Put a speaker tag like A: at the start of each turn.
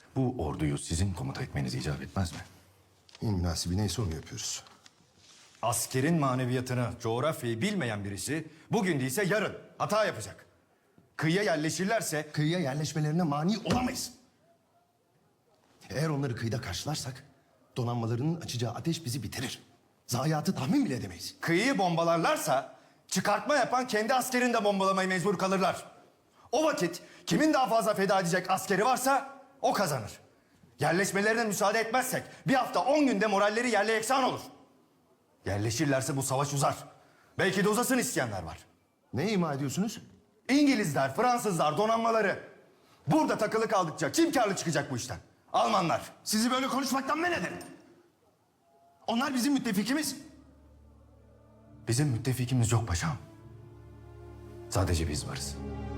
A: Bu orduyu sizin komuta etmeniz icap etmez mi?
B: En münasibi neyse onu yapıyoruz.
A: Askerin maneviyatını, coğrafyayı bilmeyen birisi bugün değilse yarın hata yapacak. Kıyıya yerleşirlerse
B: Kıyıya yerleşmelerine mani olamayız. Eğer onları kıyıda karşılarsak donanmalarının açacağı ateş bizi bitirir. Zayiatı tahmin bile edemeyiz.
A: kıyıyı bombalarlarsa çıkartma yapan kendi askerini de bombalamaya mecbur kalırlar. O vakit kimin daha fazla feda edecek askeri varsa o kazanır. Yerleşmelerine müsaade etmezsek bir hafta 10 günde moralleri yerle yeksan olur. Yerleşirlerse bu savaş uzar. Belki de uzasın isteyenler var.
B: Ne ima ediyorsunuz?
A: İngilizler, Fransızlar, donanmaları. Burada takılı kaldıkça kim karlı çıkacak bu işten? Almanlar.
B: Sizi böyle konuşmaktan men ederim. Onlar bizim müttefikimiz.
A: Bizim müttefikimiz yok paşam. Sadece biz varız.